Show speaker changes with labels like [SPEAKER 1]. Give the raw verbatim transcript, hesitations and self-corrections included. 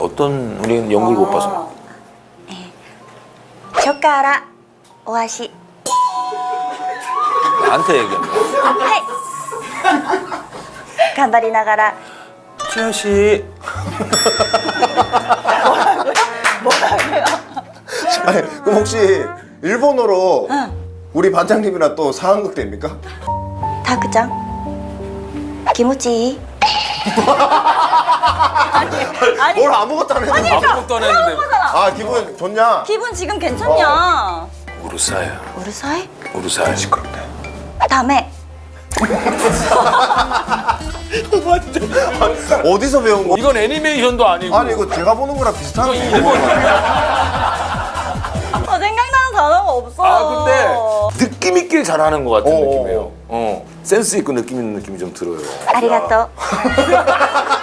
[SPEAKER 1] 어떤 우리는 연극을 못 봐서.
[SPEAKER 2] 초카라 오아시.
[SPEAKER 1] 나한테 얘기한 거야.
[SPEAKER 2] はい。頑張りながら
[SPEAKER 1] 지아씨.
[SPEAKER 3] 아니, 그럼 혹시 일본어로 우리 반장님이랑 또 상황극 됩니까?
[SPEAKER 2] タクちゃん気持ちいい? 아니,
[SPEAKER 3] 뭘 아무것도 안 했는데.
[SPEAKER 1] 아무것도 안 했는데.
[SPEAKER 3] 아, 기분 좋냐?
[SPEAKER 2] 기분 지금 괜찮냐?
[SPEAKER 1] 우르사야.
[SPEAKER 2] 우르사이?
[SPEAKER 1] 우르사야. 시끄럽네.
[SPEAKER 2] 다음에
[SPEAKER 3] 어디서 배운 거?
[SPEAKER 1] 이건 애니메이션도 아니고.
[SPEAKER 3] 아니, 이거 제가 보는 거랑 비슷한 거.
[SPEAKER 2] 어, 생각나는 단어가 없어.
[SPEAKER 1] 아 근데 느낌 있게 잘하는 것 같은
[SPEAKER 3] 어어.
[SPEAKER 1] 느낌이에요. 어 센스 있고 느낌 있는 느낌이 좀 들어요.
[SPEAKER 2] ありがとう